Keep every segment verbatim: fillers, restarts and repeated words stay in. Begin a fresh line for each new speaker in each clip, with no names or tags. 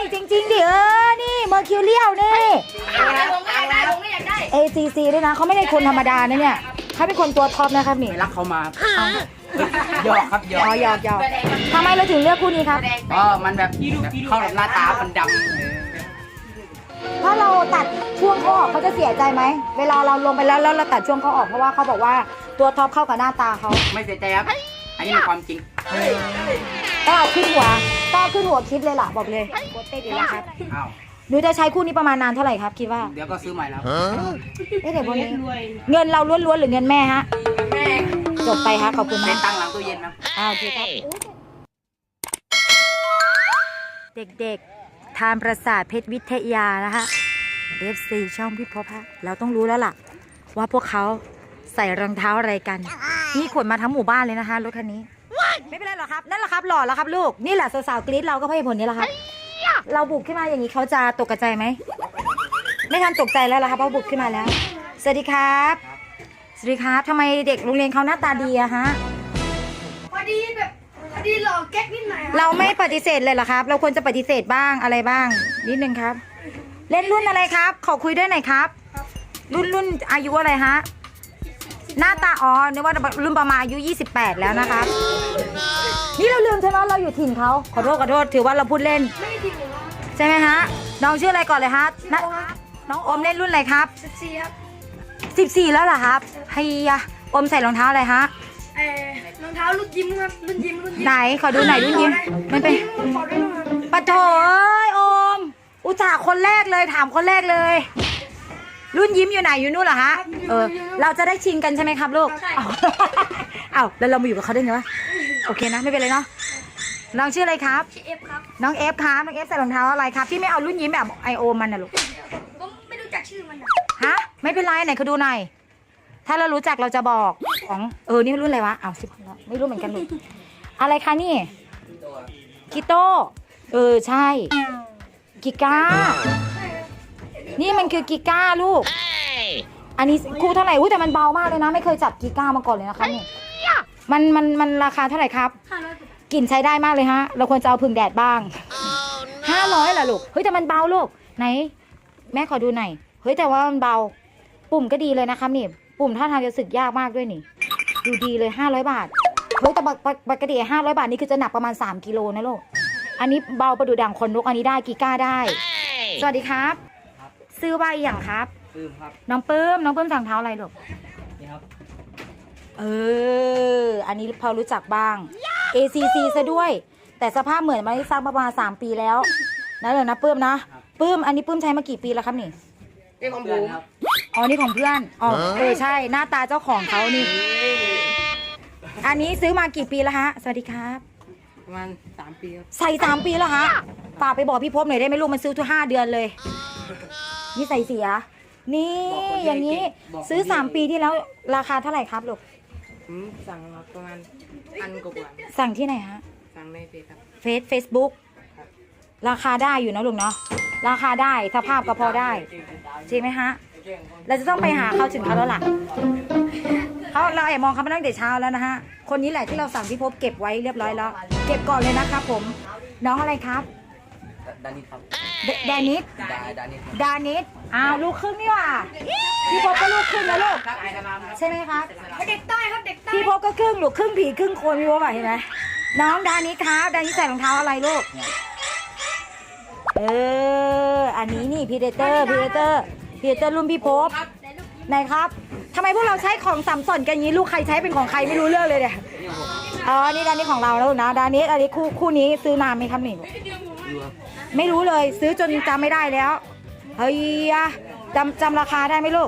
นี่จริงๆดิเออนี่เมอร์คิวเรียลนี่
ได้ผมก็อยากได้ผมก็อยากได้
เอ ซี ซี ด้วยนะเขาไม่ได้คนธรรมดานะเนี่ยเขาเป็นคนตัวท็อปนะครับนี่
ไปรักเขามาหยอกครับหยอ
อ๋อก หยอกหยอกทำไมเราถึงเลือกคู่นี้ครับ
ก็มันแบบเข้ากับหน้าตามันดำ
ถ้าเราตัดช่วงเขาออกเขาจะเสียใจไหมเวลาเราลงไปแล้วแล้วเราตัดช่วงเขาออกเพราะว่าเขาบอกว่าตัวท็อปเข้ากับหน้าตาเขา
ไม่เสียใจครับ อันนี้เป็นความจริง
ต้องเอาขึ้นหัวต้องเอาขึ้นหัวคิดเลยล่ะบอกเลยโคตรเต้ดีแล้วครับ
อ้าว
หนูจะใช้คู่นี้ประมาณนานเท่าไหร่ครับคิดว่า
เดี๋ยวก็ซื้อใหม่แล้ว
เอ๊ะเดี๋ยววันนี้เงินเราล้วนๆหรือเงินแม่ฮะ
แม่
จบไปฮะขอบคุณ
เซ็
มาน ก
ตังค์หลังตู้เย็นนะ
อ้าวโอเคครับเด็กๆทานประสาทเพชรวิทยานะคะ เอฟ ซี ช่องพี่พบฮะเราต้องรู้แล้วล่ะ ว่าพวกเขาใส่รองเท้าอะไรกัน นี่ขนมาทั้งหมู่บ้านเลยนะคะรถคันนี้ ไม่เป็นไรหรอกครับนั่นแหละครับหล่อแล้วครับลูกนี่แหละสาวๆกรี๊ดเราก็เพราะเหตุผลนี้แหละครับ เราบุกขึ้นมาอย่างนี้เขาจะตกใจไหมไม่ทันตกใจแล้วล่ะครับเพราะบุกขึ้นมาแล้ว สวัสดีครับสวัสดีครับทำไมเด็กโรงเรียนเขาหน้าตาดีอะฮะ
พอดีแบบพอดีหล่อแก๊กนิดหน่อย
เราไม่ปฏิเสธเลยเหรอครับ เราควรจะปฏิเสธบ้างอะไรบ้าง นิดนึงครับ เล่นรุ่นอะไรครับ ขอคุยด้วยหน่อยครับ รุ่นรุ่นอายุอะไรฮะหน้าตาอ๋อนึกว่ารุ่นประมาณอายุยี่สิบแปดแล้วนะครับ นี่เราลืมใช่ไหมเราอยู่ถิ่นเขาขอโทษขอโทษถือว่าเราพูดเล่น
ไม่ได้ทิ้งหรอ
ใช่ไหมฮะน้องชื่ออะไรก่อนเลยฮะนน้องอมเล่นรุ่นอะไรครับ
สิบสี่ครับ
สิบสี่แล้วเหรอครับเฮียอมใส่รองเท้าอะไรฮะ
เอ่อรองเท้ารุ่นยิ้มครับรุ่นยิ้มรุ่นยิ้ม
ไหนขอดูหน่อยรุ่นยิ้มมันเป็น
ขอได้ไหมครับ
ปะโถเอ้ยอมอุตส่าห์คนแรกเลยถามคนแรกเลย รุ่นยิ้มอยู่ไหนอยู่นู่นเหรอฮะเออเราจะได้ชิงกันใช่ไหมครับลูกอ้าวอ้าวแล้วเรามาอยู่กับเขาได้ไงวะโอเคนะไม่เป็นไรเนาะน้องชื่ออะไรครับ
ชื่อเอฟครับ
น้องเอฟครับน้องเอฟใส่รองเท้าอะไรครับที่ไม่เอารุ่นยิ้มแบบไอโอมันนะลูก
ผมไม่รู้จักชื่อมันอะ
ฮะไม่เป็นไรไหนเขาดูหน่อยถ้าเรารู้จักเราจะบอกของเออนี่รุ่นอะไรวะอ้าวสิบแล้วไม่รู้เหมือนกันลูกอะไรคะนี่กิโต้เออใช่กิก้านี่มันคือกิก้าลูกอันนี้คู่เท่าไหร่อุ้ยแต่มันเบามากเลยนะไม่เคยจับกิก้ามาก่อนเลยนะคะนี่มันมันมันราคาเท่าไหร่ครับ
ห้าร้อย
กลิ่นใช้ได้มากเลยฮะเราควรจะเอาพึ่งแดดบ้างห้าร้อยเหรอลูกเฮ้ยแต่มันเบาลูกไหนแม่ขอดูหน่อยเฮ้ยแต่ว่ามันเบาปุ่มก็ดีเลยนะครับนี่ปุ่มท่าทางจะสึกยากมากด้วยนี่ดูดีเลยห้าร้อยบาทเฮ้ยแต่ปกติห้าร้อยบาทนี่คือจะหนักประมาณสามกิโลนะลูกอันนี้เบาประดุจดังคนนกอันนี้ได้กิก้าได้สวัสดีครับซื้อใบอย่างครับ
ซื้อครับ
น้องปื้มน้องปื้มสั่งเท้าอะไรลูก
นี่ครับ
เอออันนี้พอรู้จักบ้าง เอ ซี ซี ซะด้วย แต่สภาพเหมือนมาได้ซักประมาณสามปีแล้วนะเลยนะปื้มนะปื้มอันนี้ปื้มใช้มากี่ปีแล้วครับนี่
นี่ของผม
อ๋อนี่ของเพื่อนอ๋อเออใช่หน้าตาเจ้าของเขานี่ อันนี้ซื้อมากี่ปีแล้วฮะสวัสดีครับ
ประมาณสามปีครับ
ใส่สามปีแล้วฮะฝากไปบอกพี่พบหน่อยได้ไหมลูกมันซื้อทุกห้าเดือนเลยนี่ใส่เสีย นี่อย่างนี้ซื้อสามปีที่แล้วราคาเท่าไหร่ครับลูก
ผมสั่งมาประมาณพันกว่าบาท
สั่งที่ไหนฮะ
สั่งในเฟซครับ
เฟซเฟซบุ๊กราคาได้อยู่นะลุงเนาะราคาได้สภาพก็พอได้จริงไหมฮะเราจะต้องไปหาเขาถึงเขาแล้วล่ะเขาเราแอบมองเขามาตั้งแต่เช้าแล้วนะฮะคนนี้แหละที่เราสั่งพี่พบเก็บไว้เรียบร้อยแล้วเก็บก่อนเลยนะครับผมน้องอะไรครับ
ดานิสครับ
เดดานิส
ดาดานิส
ดานิสอ้าวลูกครึ่งนี่หว่าพี่พบก็ลูกครึ่งแล้วลูก
ครับไอ้กระลำ
ใช่ไหมครับ
เด็กใต้ครับเด็กใต้
พี่พบก็ครึ่งลูกครึ่งผีครึ่งคนพี่พบอะเห็นไหมน้องดานิสครับดานิสใส่รองเท้าอะไรลูกเออ อันนี้นี่พีเดเตอร์พีเดเตอร์พีเดเตอร์รุ่นพี่พบไหนครับทำไมพวกเราใช้ของสัมสนกันอย่างนี้ลูกใครใช้เป็นของใครไม่รู้เรื่องเลยเนี่ยอ๋อนี่ดานิสของเราแล้วนะดานิสอันนี้คู่คู่นี้ซื้อนานไหมครับนี่ไม่รู้เลยซื้อจนจำไม่ได้แล้วเฮ้ยจำจำราคาได้ไหมลูก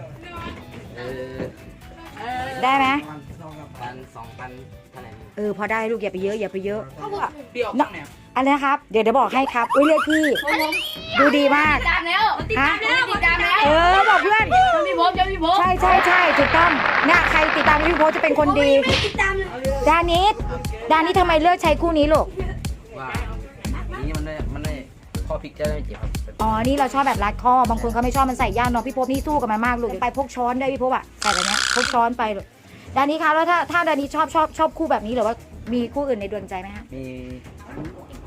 เออ
ได้ไหม
พันสองพันเท่าไหร่
เออพอได้ลูกอย่าไปเยอะอย่าไปเยอะ
เปรี้ยวข้างเนี่ย
อันนี้ครับเดี๋ยวเดี๋ยวบอกให้ครับอุ้ยเรียกพี่ดูดีมาก
ติดตามแล้วติดตามแล้วติดตามแล้ว
เออบอกเพื่อน
จำพี่พบจำพี่พบ
ใช่ใช่ใช่ถูกต้องเนี่ยใครติดตามพี่โพสจะเป็นคนดี
ไม่ติดตามเลย
ดานิสดานิสทำไมเลือกใช้คู่นี้ลูก
ว่านี่มันได้มันได้ข้อพลิกจะได้ไม่เจ็บครับ
อ๋อนี่เราชอบแบบรัดคอบางคนเขาไม่ชอบมันใส่ยากเนาะพี่โพสนี่สู้กับมันมากลูกไปพกช้อนด้วยพี่โพสอะใส่แบบเนี้ยพกช้อนไปลูกดานิสคะแล้วถ้าถ้าดานิสชอบชอบชอบคู่แบบนี้หรือว่ามีคู่อื่นในดวงใจไหมฮะ
มีค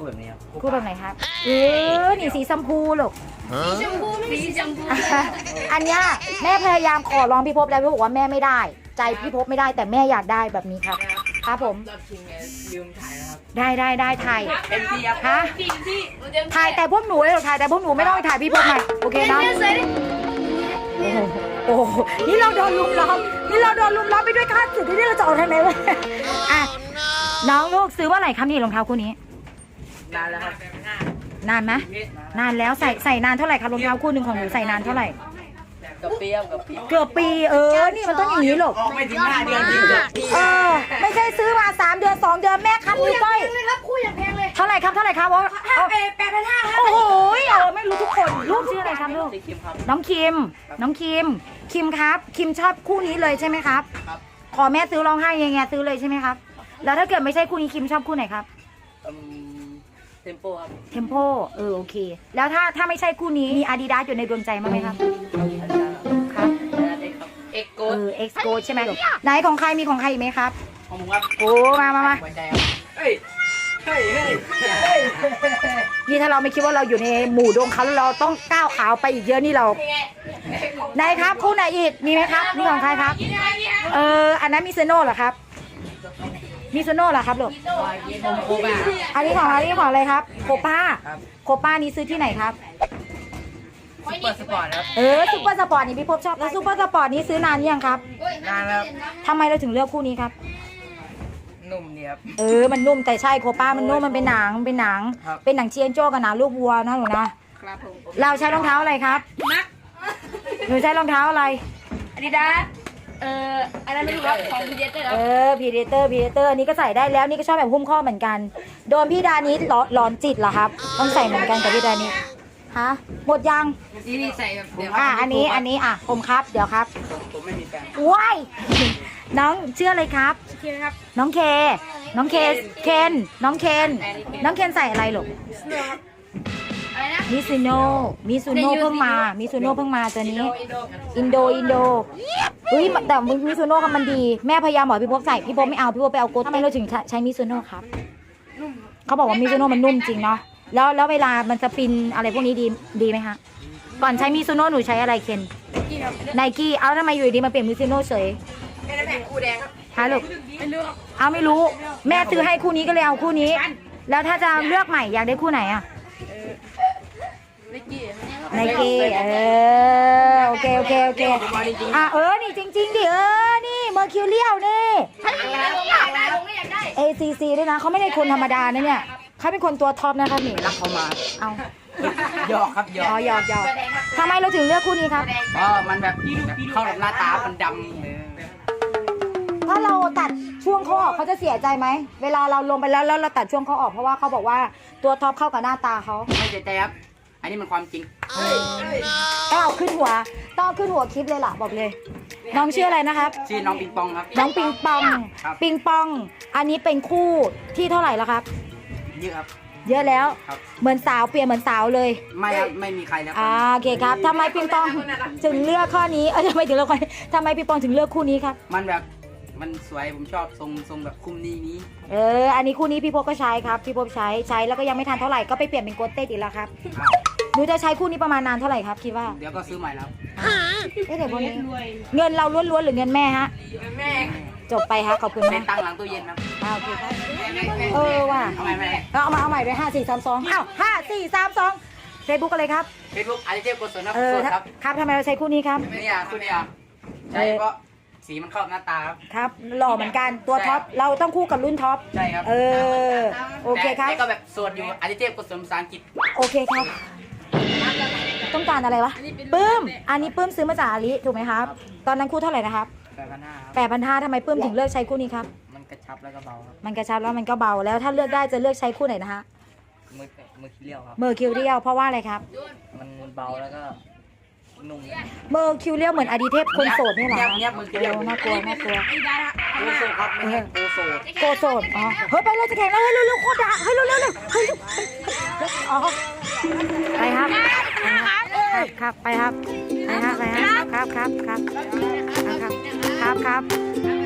คู่แบบนี้ครับ
คู่แบบไหนครับเออนี่สีชมพูลูก
สีชมพูไม่สีชมพู
อันเนี้ยแม่พยายามขอร้องพี่ภพแล้วพี่บอกว่าแม่ไม่ได้ ใจพี่ภพไม่ได้แต่แม่อยากได้แบบนี้ครับครับผม
รอบชิงไงลืมถ่ายนะครับ
ได้ได้ได้ถ่าย
เอ็มพีครับ
ฮะ
พี่พี่หนูเต็ม
ถ่ายแต่พวกหนูเลยเหรอถ่ายแต่พวกหนูไม่ต้องไปถ่ายพี่ภพหน่อยโอเค
เต็ม
เนาะ
เนี่ยสวยดิ
โอ้โหโอ้โหนี่เราโดนลุมล้อมนี่เราโดนลุมล้อมไปด้วยข้าศึกที่เราจะออกทางไหนวะอ่ะน้องลูกซื้อว่าไหร่ครับนี่รองเท้าคู่นี้
นานแล้วครับ
นานไหมนานแล้วใส่ใส่นานเท่าไหร่ครับรองเท้าคู่หนึ่งของหนูใส่นานเท่าไหร่
กับเปรี้ยวกับปี
เกือบปีเออนี่มันต้องอย่างนี้หรอก
ออกไม่ถึงห้าเดือนถึงเกือบปี
เออไม่ใช่ซื้อมาสามเดือนสองเดือนแม่คัด
คู่
นิ้
อ
ว
ย่าง
ก้อย
แพงเลยครับคู่อย่างแพงเลย
เท่าไหร่ครับเท่าไหร่ครับโอ้
ห้าเอแปดพันห้าครับ
โอ้โหเออไม่รู้ทุกคนลูกชื่ออะไรครับลูก
สีคิมครับ
น้องคิม น้องคิม คิมครับ คิมชอบคู่นี้เลยใช่ไหมครับ
ครับ
ขอแม่ซื้อร้องไห้ยังไงซื้อเลยใช่ไหมครับ แล้วถ้าเกิดไม่ใช่คู่นี้คิมชอบคู่ไหนครับ
อืมเทมโปครับ
เทมโปเออโอเค แล้วถ้าถ้าไม่ใช่คู่นี้มีอาดิดาสอยู่ในดวงใจมั้างไหมครับ ครับ
เอ็กโก
เออเอ็กซ์โกใช่ไหมไหนของใครมีของใครอีกไหมครับ
ของผมครับ
โอ้มามามา
หัวใจครับเฮ้ยเฮ้ยเฮ้ยเฮ้ย
นี่ถ้าเราไม่คิดว่าเราอยู่ในหมู่ดงเขาแล้วเราต้องก้าวขาวไปอีกเยอะนี่เราไหนครับคู่ไหนอีกมีไหมครับนี่ของใครครับ เอออันนั้นมิซูโน่เหรอครับมิซูโน่เหรอครับลูก
ผมโคบ้า
อันนี้ของอันนี้ของอะไรครับโคป้า
ครับ
โคป้านี้ซื้อที่ไหนครับ
ซุปเปอร์สปอร์ตครับ
เออซูเปอร์สปอร์ตนี่พี่พบชอบแล้วซูเปอร์สปอร์ตนี้ซื้อนานยังครับ
นานแล้ว
ทำไมเราถึงเลือกคู่นี้ครับ
นุ่มเนี่ยครับ
เออมันนุ่มแต่ใช่โคป้ามันนุ่มมันเป็นหนังมันเป็นหนัง
ครับ
เป็นหนังเชียนโจ้กับหนังลูกวัวนะหนูนะครับ
ผม
เราใช้รองเท้าอะไรครับ
นัก
หนูใช้รองเท้าอะไร
อาดิดาสเอ่ออะไรไม่รู้ครับของพีเดสเลยค
เอ
รับ
อพีเดเตอร์พีเดเตอร์อันนี้ก็ใส่ได้แล้วนี่ก็ชอบแบบหุ้มข้อเหมือนกัน โดนพี่ดานิดหลอนจิตเหรอครับ ต้องใส่เหมือนกันกับพี่ดานิดฮะหมดยัง
นี่นี่ใส่แบบเดี๋ยว
อ่ะอันนี้อันนี้อ่ะผมครับเดี๋ยวครับ
ผมไม่มีแฟน
ว้ายน้องชื่ออะไรครับ
คิมครับ
น้องเค น้องเคเคนน้องเคนน้องเคนใส่อะไรลูก
อะไรนะ
มิซูโน่มิซูโน่เพิ่งมามิซูโน่เพิ่งมาตัวนี้ อินโดอินโดเฮ้ยแต่มิซูโน่มันดีแม่พยายามบอกพี่พบใส่พี่พบไม่เอาพี่พบไปเอาโกทำไมเราถึงใช้มิซูโน่ครับเขาบอกว่ามิซูโน่มันนุ่มจริงเนาะแล้วแล้วเวลามันสปินอะไรพวกนี้ดีดีไหมคะก่อนใช้มิซูโน่หนูใช้อะไรเคน
กี่ครับ
ไนกี้เอาทำไมอยู่ดีมาเปลี่ยนมิซูโน่เฉย
เป็นแม่คู่แดงครับ
ฮะลูก
ไม่รู้ครับ
เอาไม่รู้ แม่ซื้อให้คู่นี้ก็เลยเอาคู่นี้ แล้วถ้าจะเลือกใหม่อยากได้คู่ไหนอะ
นิกกี้
ไนกี้เออโอเคโอเคโอเคอ่ะเออนี่จริงๆดิเออนี่เมอร์คิวเรียลนี่
ผมอยากได้ผมไม่อยากได้
เอ ซี ซี ด้วยนะเขาไม่ได้คนธรรมดานะเนี่ยเขาเป็นคนตัวท็อปนะคะนี่
รักเขามา
เอา
หยอกครับหยอ
อ๋อก หยอกหยอกทำไมเราถึงเลือกคู่นี้ครับ
เพราะมันแบบเข้ากับหน้าตา มันดำเลย
ถ้าเราตัดช่วงเขาออกเขาจะเสียใจไหมเวลาเราลงไปแล้วแล้วเราตัดช่วงเขาออกเพราะว่าเขาบอกว่าตัวท็อปเข้ากับหน้าตาเขา
ไม่เสียใจครับ อันนี้มันความจริง
ต้องเอาขึ้นหัวต้องเอาขึ้นหัวคลิปเลยล่ะบอกเลย น้องชื่ออะไรนะครับ
ชื่อน้องปิงปองครับ
น้องปิงปอง
ครับ
ปิงปอง อันนี้เป็นคู่ที่เท่าไหร่แล้วครับ
เยอะครับ
เยอะแล้ว
ครับ
เหมือนสาวเปลี่ยนเหมือนสาวเลย
ไม่ครับ ไม่มีใครแล้ว
อ่าโอเคครับทำไมปิงปองถึงเลือกข้อนี้เออทำไมถึงเลือกข้อนี้ทำไมปิงปองถึงเลือกคู่นี้ครับ
มันแบบ มันสวย ผมชอบทรงทรงแบบคุมนี้นี้
เอออันนี้คู่นี้พี่พบก็ใช้ครับพี่พบใช้ใช้แล้วก็ยังไม่ทันเท่าไหร่ก็ไปเปลี่ยนเป็นโกเต้อีกแล้วครับ
อ้าว
หนูจะใช้คู่นี้ประมาณนานเท่าไหร่ครับคิดว่า
เดี๋ยวก็ซื้อใหม่แล้ว
เอ๊ะเดี๋ยวพวกนี้เงินเราล้วนๆหรือเงินแม่ฮะ
แม่
จบไปฮะขอบคุณ
เป็
มาน ก
ตั้งหลังตู้เย็นครับ
อ่าโอเคครับเออว่ะ
เอาใหม่ไหม
เราเอามาเอาใหม่ด้วยห้าสี่สามสองอ้าวห้าสี่สามสองเฟซบุ๊กอะไรครับ
เฟซบุ๊กอาร์เจกุศลครับ
เออ
สดครับ
ครับทำไมเราใช้คู่นี้ครับ
เนี่ยคุณเนี่ยใช่เพราะสีมันเข้ากับหน้าตาครับ
ครับหล่อเหมือนกันตัวท็อปเราต้องคู่กับรุ่นท็อป
ใช่ครับ
เออโอเคครับ
แต่ก็แบบโสดอยู่อาร์เจกุศลภาษาอังกฤษ
โอเคครับ ต้องการอะไรวะปื้มอันนี้ปื้มซื้อมาจากอาลีถูกไหมครับ ตอนนั้นคู่เท่าไหร่นะครับ
แปดพันห้าครับ
แปดพันห้าทำไมปื้มถึงเลือกใช้คู่นี้ครับ
มันกระชับแล้วก็เบาครับ
มันกระชับแล้วมันก็เบาแล้วถ้าเลือกได้จะเลือกใช้คู่ไหนนะฮะ
มือมือขี้เลี้ยวครับ
เมอร์คิวเรียลเพราะว่าอะไรครับ
มันเบาแล้วก็นุ่ม
เมอร์คิวเรียลเหมือนอดีเทพคนโสดนี่เหรอ
เงียบเงียบมือคิวเรียล
โน่ากลัวน่ากลัว
อาดิดาส
โอโซครับไม่ใช่โอโซ
โกโสดอ๋อเฮ้ยไปเลยจะแข่งแล้วเฮ้ยเร็วๆโคตรด่าเฮ้ยเร็วๆเร็วเฮ้ยอ๋อไปครับครับไปครับไปครับไปครับครับครับครับครับครับ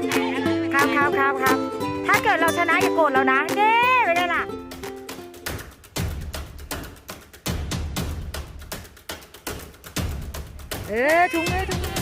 ครับครับครับครับครับถ้าเกิดเราชนะอย่าโกรธเรานะเย้ไม่ได้ล่ะเออถุงมือถุงมือ